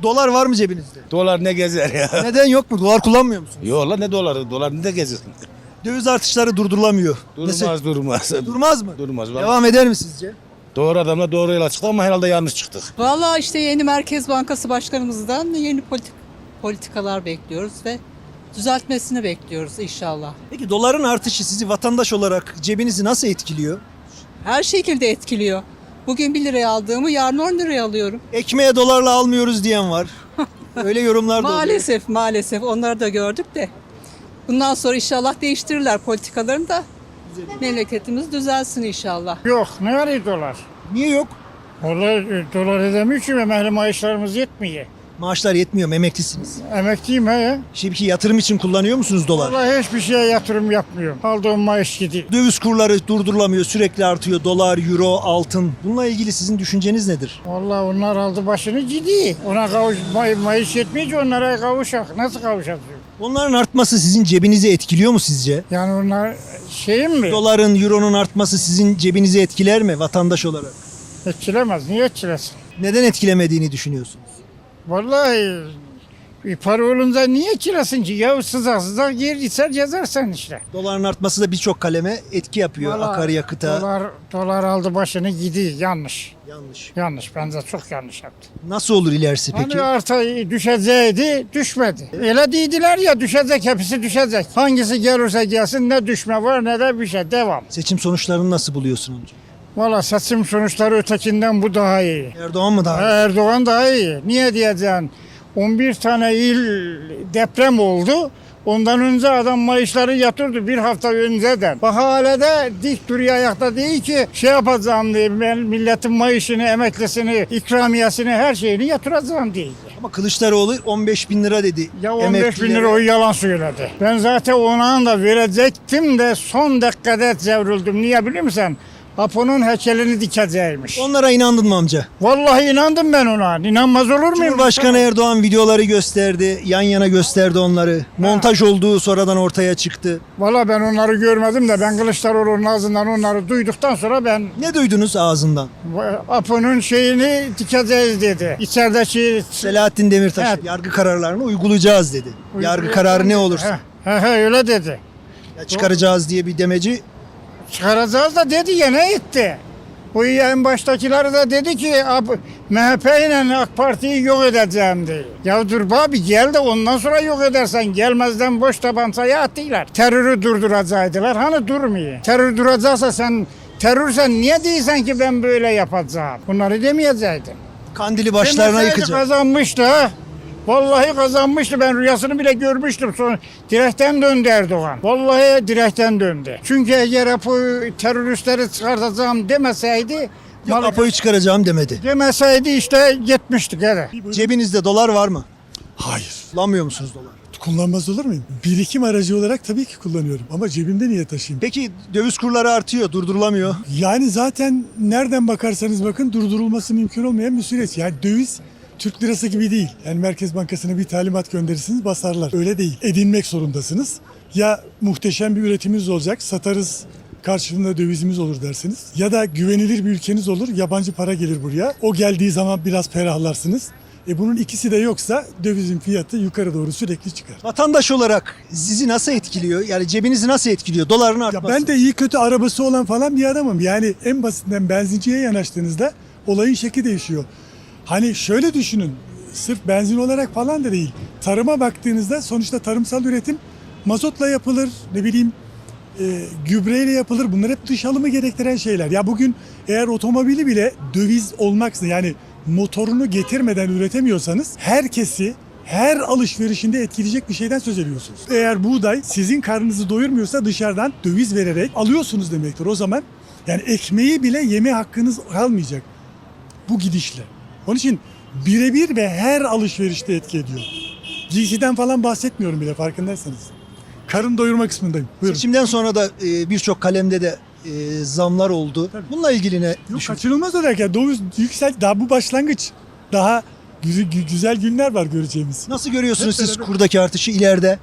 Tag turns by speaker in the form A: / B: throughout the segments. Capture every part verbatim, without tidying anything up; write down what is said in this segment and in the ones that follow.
A: Dolar var mı cebinizde?
B: Dolar ne gezer ya?
A: Neden yok mu? Dolar kullanmıyor musunuz?
B: Yok lan ne doları? Dolar ne gezersin?
A: Döviz artışları durdurulamıyor.
B: Durmaz
A: Nasıl?
B: durmaz.
A: Durmaz mı?
B: Durmaz. Vallahi.
A: Devam eder mi sizce?
B: Doğru adamla doğru yola çıktık ama herhalde yanlış çıktık.
C: Vallahi işte yeni Merkez Bankası Başkanımızdan yeni politik politikalar bekliyoruz ve düzeltmesini bekliyoruz inşallah.
A: Peki doların artışı sizi vatandaş olarak cebinizi nasıl etkiliyor?
C: Her şekilde etkiliyor. Bugün bir liraya aldığımı yarın on liraya alıyorum.
A: Ekmeğe dolarla almıyoruz diyen var. Öyle yorumlar da oluyor.
C: Maalesef maalesef onları da gördük de. Bundan sonra inşallah değiştirirler politikalarını da memleketimiz düzelsin inşallah.
D: Yok, ne var dolar?
A: Niye yok?
D: Vallahi e, dolar edemiyor ki emekli maaşlarımız yetmiyor.
A: Maaşlar yetmiyor mu? Emeklisiniz.
D: Emekliyim he.
A: Şimdi yatırım için kullanıyor musunuz dolar?
D: Vallahi hiçbir şeye yatırım yapmıyorum. Aldığım maaş gidiyor.
A: Döviz kurları durdurulamıyor, sürekli artıyor. Dolar, euro, altın. Bununla ilgili sizin düşünceniz nedir?
D: Vallahi onlar aldı başını gidiyor. Ona kavuş, may, maaş yetmiyor ki onlara kavuşak. Nasıl kavuşacağız?
A: Onların artması sizin cebinizi etkiliyor mu sizce?
D: Yani onlar şeyim mi?
A: Doların, euronun artması sizin cebinizi etkiler mi vatandaş olarak?
D: Etkilemez. Niye etkilesin?
A: Neden etkilemediğini düşünüyorsunuz?
D: Vallahi bir para olunca niye etkilesin ki? Ya sızak sızak yer içer yazarsan işte.
A: Doların artması da birçok kaleme etki yapıyor.
D: Vallahi
A: Akaryakıta.
D: Dolar, dolar aldı başını gidiyor. Yanlış.
A: Yanlış.
D: Yanlış. Bence çok yanlış yaptı.
A: Nasıl olur ilerisi peki?
D: Hani arta düşeceğiydi, düşmedi. Öyle dediler ya düşecek, hepsi düşecek. Hangisi gelirse gelsin ne düşme var ne de bir şey. Devam.
A: Seçim sonuçlarını nasıl buluyorsun amca?
D: Valla seçim sonuçları ötekinden bu daha iyi.
A: Erdoğan mı daha iyi?
D: Erdoğan daha iyi. Niye diyeceksin? on bir tane il deprem oldu. Ondan önce adam maaşları yatırdı bir hafta önceden. Bak hala da dik duruyor ayakta değil ki şey yapacağım diye ben milletin maaşını, emeklisini, ikramiyesini her şeyini yatıracağım diye.
A: Ama Kılıçdaroğlu on beş bin lira dedi.
D: Ya on beş bin
A: emeklilere.
D: lira o yalan söyledi. Ben zaten ona da verecektim de son dakikada çevrildim. Niye biliyor musun? Apo'nun heykelini dikeceğiymiş.
A: Onlara inandın mı amca?
D: Vallahi inandım ben ona. İnanmaz olur muyum?
A: Cumhurbaşkanı Erdoğan videoları gösterdi. Yan yana gösterdi onları. Montaj olduğu sonradan ortaya çıktı.
D: Vallahi ben onları görmedim de ben Kılıçdaroğlu'nun ağzından onları duyduktan sonra ben
A: Ne duydunuz ağzından?
D: Apo'nun şeyini dikeceğiz dedi. İçerideki
A: Selahattin Demirtaş
D: Evet.
A: yargı kararlarını uygulayacağız dedi. Yargı kararı ne olursa.
D: He, he, he, öyle dedi.
A: Ya çıkaracağız diye bir demeci.
D: Çıkaracağız da dedi ya ne etti? Bu en baştakileri de dedi ki M H P ile AK Parti'yi yok edeceğim diye. Ya dur abi gel de ondan sonra yok edersen gelmezden boş tabancayı attılar. Terörü durduracaktılar hani durmuyor. Terör duracaksa sen terörsen niye değilsen ki ben böyle yapacağım? Bunları demeyecektin.
A: Kandili başlarına
D: Demeseydi
A: yıkacak.
D: kazanmıştı ha. Vallahi kazanmıştı. Ben rüyasını bile görmüştüm. Sonra direkten döndü Erdoğan. Vallahi direkten döndü. Çünkü eğer Apo teröristleri çıkartacağım demeseydi
A: Yok, Apo'yu çıkaracağım demedi.
D: demeseydi işte gitmiştik hele.
A: Cebinizde dolar var mı?
E: Hayır.
A: Kullanmıyor musunuz dolar?
E: Kullanmaz olur muyum? Birikim aracı olarak tabii ki kullanıyorum ama cebimde niye taşıyayım?
A: Peki döviz kurları artıyor, durdurulamıyor.
E: Yani zaten nereden bakarsanız bakın durdurulması mümkün olmayan bir süreç. Yani döviz Türk lirası gibi değil. Yani Merkez Bankası'na bir talimat gönderirsiniz basarlar. Öyle değil. Edinmek zorundasınız. Ya muhteşem bir üretimimiz olacak, satarız karşılığında dövizimiz olur dersiniz. Ya da güvenilir bir ülkeniz olur, yabancı para gelir buraya. O geldiği zaman biraz ferahlarsınız. E bunun ikisi de yoksa dövizin fiyatı yukarı doğru sürekli çıkar.
A: Vatandaş olarak sizi nasıl etkiliyor? Yani cebinizi nasıl etkiliyor? Doların
E: Ya
A: artması.
E: ben de iyi kötü arabası olan falan bir adamım. Yani en basitinden benzinciye yanaştığınızda olayın şekli değişiyor. Hani şöyle düşünün, sırf benzin olarak falan da değil. Tarıma baktığınızda sonuçta tarımsal üretim mazotla yapılır, ne bileyim e, gübreyle yapılır. Bunlar hep dış alımı gerektiren şeyler. Ya bugün eğer otomobili bile döviz olmaksızın yani motorunu getirmeden üretemiyorsanız herkesi her alışverişinde etkileyecek bir şeyden söz ediyorsunuz. Eğer buğday sizin karnınızı doyurmuyorsa dışarıdan döviz vererek alıyorsunuz demektir. O zaman yani ekmeği bile yeme hakkınız kalmayacak bu gidişle. Onun için birebir ve her alışverişte etki ediyor. Giysiden falan bahsetmiyorum bile farkındaysanız. Karın doyurma kısmındayım. Buyurun.
A: Seçimden sonra da e, birçok kalemde de e, zamlar oldu.
E: Tabii.
A: Bununla ilgili ne
E: Yok,
A: düşünüyorsunuz?
E: kaçınılmaz olarak ya döviz yüksel daha bu başlangıç. Daha güzel, güzel günler var göreceğimiz.
A: Nasıl görüyorsunuz
E: Hep
A: siz
E: beraber-
A: kurdaki artışı ileride?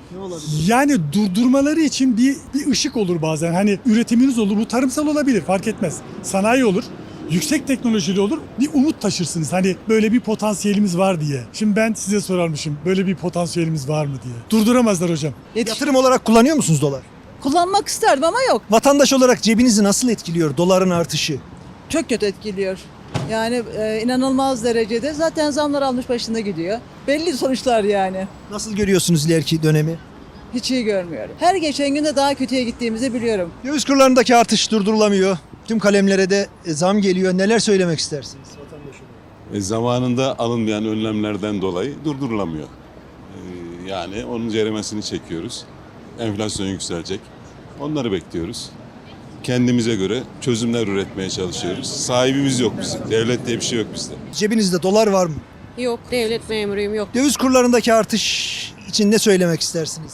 E: Yani durdurmaları için bir bir ışık olur bazen. Hani üretiminiz olur. Bu tarımsal olabilir fark etmez. Sanayi olur. yüksek teknolojili olur, bir umut taşırsınız. Hani böyle bir potansiyelimiz var diye. Şimdi ben size sorarmışım, böyle bir potansiyelimiz var mı diye. Durduramazlar hocam.
A: Yatırım olarak kullanıyor musunuz dolar?
C: Kullanmak isterdim ama yok.
A: Vatandaş olarak cebinizi nasıl etkiliyor doların artışı?
C: Çok kötü etkiliyor. Yani e, inanılmaz derecede. Zaten zamlar almış başında gidiyor. Belli sonuçlar yani.
A: Nasıl görüyorsunuz ileriki dönemi?
C: Hiç iyi görmüyorum. Her geçen günde daha kötüye gittiğimizi biliyorum.
A: Döviz kurlarındaki artış durdurulamıyor. Tüm kalemlere de e, zam geliyor. Neler söylemek istersiniz vatandaş olarak?
F: E, zamanında alınmayan önlemlerden dolayı durdurulamıyor. E, yani onun ceremesini çekiyoruz. Enflasyon yükselecek. Onları bekliyoruz. Kendimize göre çözümler üretmeye çalışıyoruz. Sahibimiz yok bizim. Devlet diye bir şey yok bizde.
A: Cebinizde dolar var mı?
G: Yok, devlet memuruyum, yok.
A: Döviz kurlarındaki artış için ne söylemek istersiniz?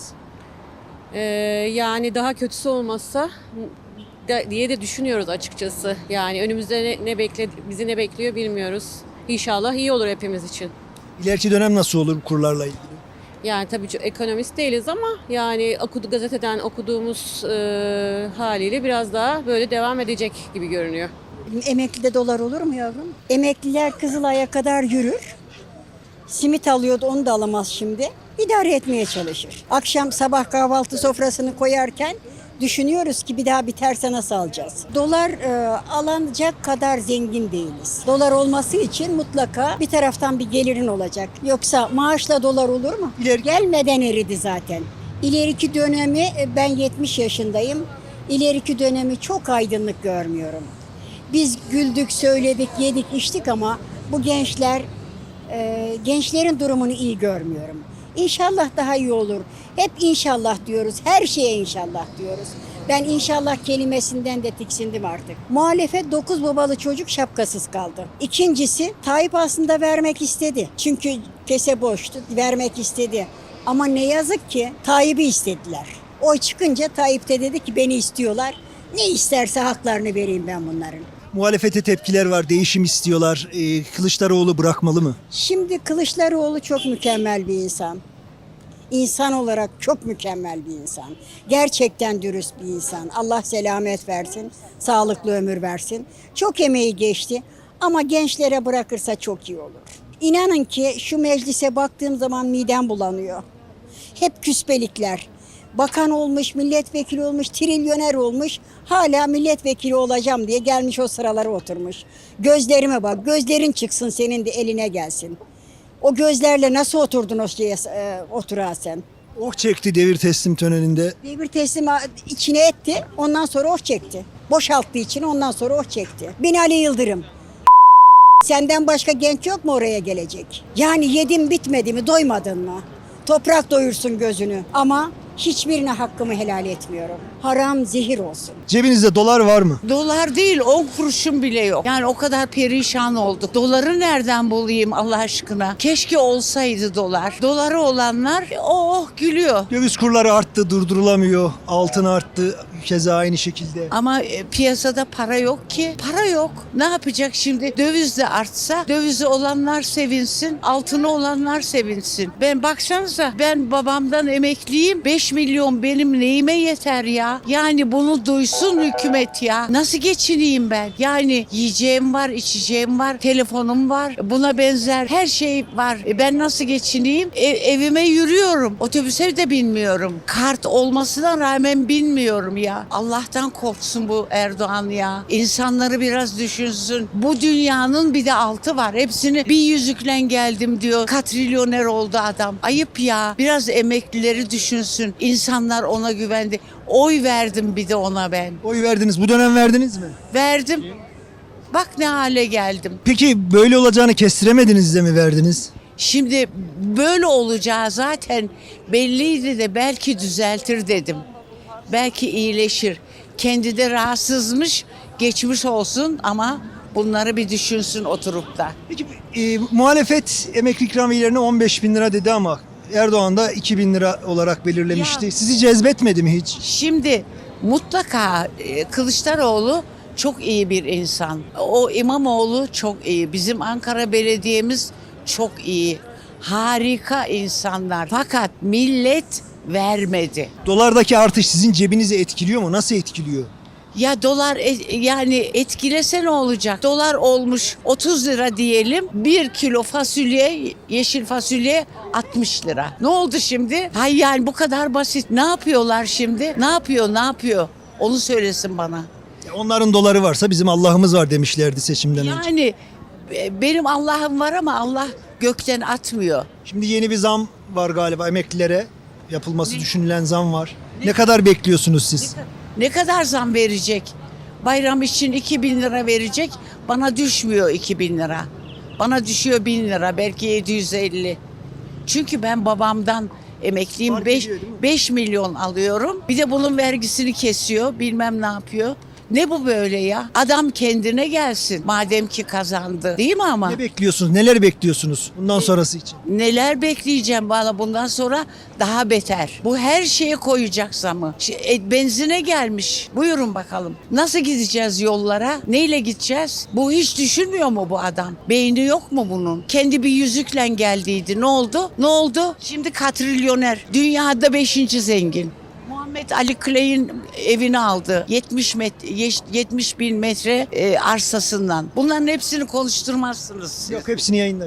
G: Ee, yani daha kötüsü olmazsa da- diye de düşünüyoruz açıkçası. Yani önümüzde ne, ne bekle, bizi ne bekliyor bilmiyoruz. İnşallah iyi olur hepimiz için.
A: İleriki dönem nasıl olur kurlarla ilgili?
G: Yani tabii ki ekonomist değiliz ama yani okudu, gazeteden okuduğumuz e, haliyle biraz daha böyle devam edecek gibi görünüyor.
H: Emeklide dolar olur mu yavrum? Emekliler Kızılay'a kadar yürür. Simit alıyordu, onu da alamaz şimdi. İdare etmeye çalışır. Akşam sabah kahvaltı sofrasını koyarken düşünüyoruz ki bir daha biterse nasıl alacağız? Dolar e, alınacak kadar zengin değiliz. Dolar olması için mutlaka bir taraftan bir gelirin olacak. Yoksa maaşla dolar olur mu?
A: İleri-
H: Gelmeden eridi zaten. İleriki dönemi e, ben yetmiş yaşındayım. İleriki dönemi çok aydınlık görmüyorum. Biz güldük, söyledik, yedik, içtik ama bu gençler, e, gençlerin durumunu iyi görmüyorum. İnşallah daha iyi olur. Hep inşallah diyoruz, her şeye inşallah diyoruz. Ben inşallah kelimesinden de tiksindim artık. Muhalefet dokuz babalı çocuk şapkasız kaldı. İkincisi, Tayyip aslında vermek istedi. Çünkü kese boştu, vermek istedi. Ama ne yazık ki Tayyip'i istediler. Oy çıkınca Tayyip de dedi ki beni istiyorlar. Ne isterse haklarını vereyim ben bunların.
A: Muhalefete tepkiler var, değişim istiyorlar. Ee, Kılıçdaroğlu bırakmalı mı?
H: Şimdi Kılıçdaroğlu çok mükemmel bir insan. İnsan olarak çok mükemmel bir insan. Gerçekten dürüst bir insan. Allah selamet versin, sağlıklı ömür versin. Çok emeği geçti ama gençlere bırakırsa çok iyi olur. İnanın ki şu meclise baktığım zaman midem bulanıyor. Hep küspelikler. Bakan olmuş, milletvekili olmuş, trilyoner olmuş. Hala milletvekili olacağım diye gelmiş o sıralara oturmuş. Gözlerime bak, gözlerin çıksın senin de eline gelsin. O gözlerle nasıl oturdun o şeye e, oturağa sen?
A: Oh çekti devir teslim töreninde.
H: Devir teslim içine etti, ondan sonra oh çekti. Boşalttı içini, ondan sonra oh çekti. Binali Yıldırım. Senden başka genç yok mu oraya gelecek? Yani yedin bitmedi mi, doymadın mı? Toprak doyursun gözünü ama hiçbirine hakkımı helal etmiyorum. Haram zehir olsun.
A: Cebinizde dolar var mı?
I: Dolar değil, on kuruşum bile yok. Yani o kadar perişan olduk. Doları nereden bulayım Allah aşkına? Keşke olsaydı dolar. Doları olanlar oh gülüyor.
A: Döviz kurları arttı, durdurulamıyor. Altın arttı, keza aynı şekilde.
I: Ama e, piyasada para yok ki. Para yok. Ne yapacak şimdi? Döviz de artsa, dövizi olanlar sevinsin, altını olanlar sevinsin. Ben baksanıza, ben babamdan emekliyim. beş milyon benim neyime yeter ya? Yani bunu duysun hükümet ya. Nasıl geçineyim ben? Yani yiyeceğim var, içeceğim var, telefonum var. Buna benzer her şey var. E ben nasıl geçineyim? E, evime yürüyorum. Otobüse de binmiyorum. Kart olmasına rağmen binmiyorum ya. Allah'tan korksun bu Erdoğan ya. İnsanları biraz düşünsün. Bu dünyanın bir de altı var. Hepsini bir yüzükle geldim diyor. Katrilyoner oldu adam. Ayıp ya. Biraz emeklileri düşünsün. İnsanlar ona güvendi. Oy verdim bir de ona ben.
A: Oy verdiniz, bu dönem verdiniz mi?
I: Verdim. Bak ne hale geldim.
A: Peki böyle olacağını kestiremediniz de mi verdiniz?
I: Şimdi böyle olacağı zaten belliydi de belki düzeltir dedim. Belki iyileşir. Kendi de rahatsızmış, geçmiş olsun ama bunları bir düşünsün oturup da.
A: Peki e, muhalefet emekli ikramiyelerine on beş bin lira dedi ama Erdoğan da iki bin lira olarak belirlemişti.
I: Ya.
A: Sizi cezbetmedi mi hiç?
I: Şimdi mutlaka e, Kılıçdaroğlu çok iyi bir insan. O İmamoğlu çok iyi. Bizim Ankara Belediye'miz çok iyi. Harika insanlar. Fakat millet vermedi.
A: Dolardaki artış sizin cebinizi etkiliyor mu? Nasıl etkiliyor?
I: Ya dolar e- yani etkilese ne olacak? Dolar olmuş otuz lira diyelim. Bir kilo fasulye, yeşil fasulye altmış lira. Ne oldu şimdi? Hay yani bu kadar basit. Ne yapıyorlar şimdi? Ne yapıyor? Ne yapıyor? Onu söylesin bana.
A: Onların doları varsa bizim Allah'ımız var demişlerdi seçimden önce.
I: Yani e, benim Allah'ım var ama Allah gökten atmıyor.
A: Şimdi yeni bir zam var galiba emeklilere. Yapılması düşünülen zam var. Ne kadar bekliyorsunuz siz?
I: Ne kadar zam verecek? Bayram için iki bin lira verecek. Bana düşmüyor iki bin lira. Bana düşüyor bin lira, belki yedi yüz elli. Çünkü ben babamdan emekliyim.
A: Fark
I: beş
A: ediyor değil mi?
I: beş milyon alıyorum. Bir de bunun vergisini kesiyor. Bilmem ne yapıyor. Ne bu böyle ya? Adam kendine gelsin. Madem ki kazandı. Değil mi ama?
A: Ne bekliyorsunuz? Neler bekliyorsunuz bundan sonrası için?
I: Neler bekleyeceğim valla bundan sonra daha beter. Bu her şeye koyacak zamı. Ş- e, Benzine gelmiş. Buyurun bakalım. Nasıl gideceğiz yollara? Neyle gideceğiz? Bu hiç düşünmüyor mu bu adam? Beyni yok mu bunun? Kendi bir yüzükle geldiydi. Ne oldu? Ne oldu? Şimdi katrilyoner. Dünyada beşinci zengin. Muhammed Ali Clay'in evini aldı. yetmiş met yetmiş bin metre e, arsasından. Bunların hepsini konuşturmazsınız siz.
A: Yok hepsini yayınlar.